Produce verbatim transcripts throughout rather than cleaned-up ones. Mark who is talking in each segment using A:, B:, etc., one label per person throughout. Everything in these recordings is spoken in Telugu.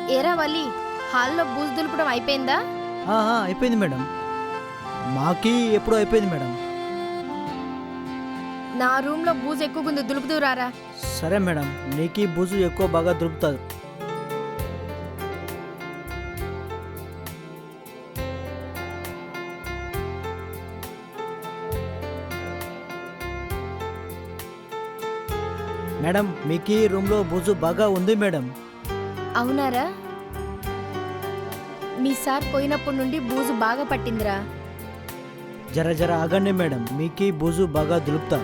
A: ఏరా వల్లి, హాల్లో బూజు దులపడం అయిపోయిందా?
B: ఆహా, అయిపోయింది మేడం. మాకి ఎప్పుడో అయిపోయింది మేడం.
A: నా రూమ్లో బూజు ఎక్కువగా దులుపుదురారా.
B: సరే మేడం, నీకు బూజు ఎక్కువ బాగా దొరుకుతుంది. మేడం, మీకు ఈ రూమ్లో బూజు బాగా ఉంది మేడం.
A: అవునారా? మీ సార్ పోయినప్పటి నుండి బూజు బాగా పట్టిందిరా.
B: జర జర ఆగండి మేడం, మీకు ఈ బూజు బాగా దులుపుతా.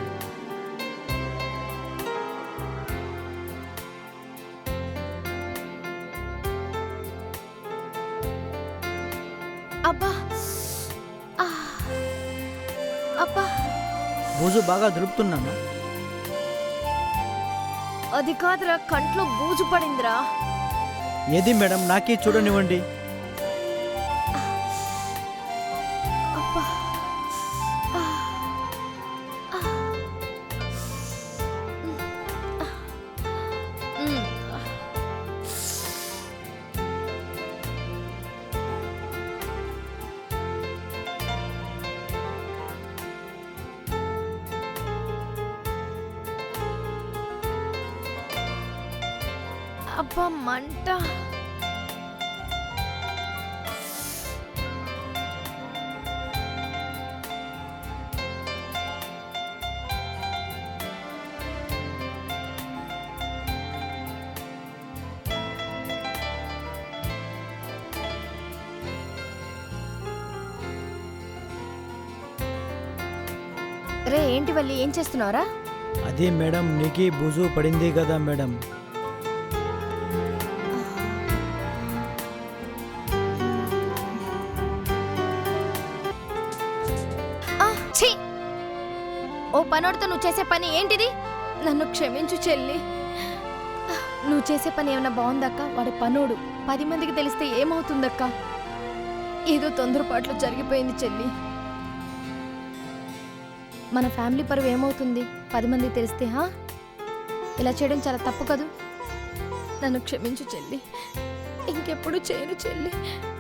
A: అబ్బా ఆ, అబ్బా
B: బూజు బాగా దులుపుతున్నానా?
A: అది కాదురా, కంట్లో బూజు పడిందిరా.
B: ఏది మేడం, నాకే చూడనివ్వండి.
A: అబ్బా ఆ, ఆ. ఉమ్. అబ్బా మంట. రే ఏంటి వల్లి, ఏం చేస్తున్నావురా?
B: అదే మేడం, నీకు బూజు పడింది కదా మేడం.
A: ఛీ! ఓ పనోడితో నువ్వు చేసే పని ఏంటిది? నన్ను క్షమించు చెల్లి. నువ్వు చేసే పని ఏమన్నా బాగుందక్క? వాడి పనోడు పది మందికి తెలిస్తే ఏమవుతుందక్క? ఏదో తొందరపాట్లో జరిగిపోయింది చెల్లి. మన ఫ్యామిలీ పరువు ఏమవుతుంది పది మందికి తెలిస్తే? హా, ఇలా చేయడం చాలా తప్పు కదూ. నన్ను క్షమించు చెల్లి, ఇంకెప్పుడు చేయను చెల్లి.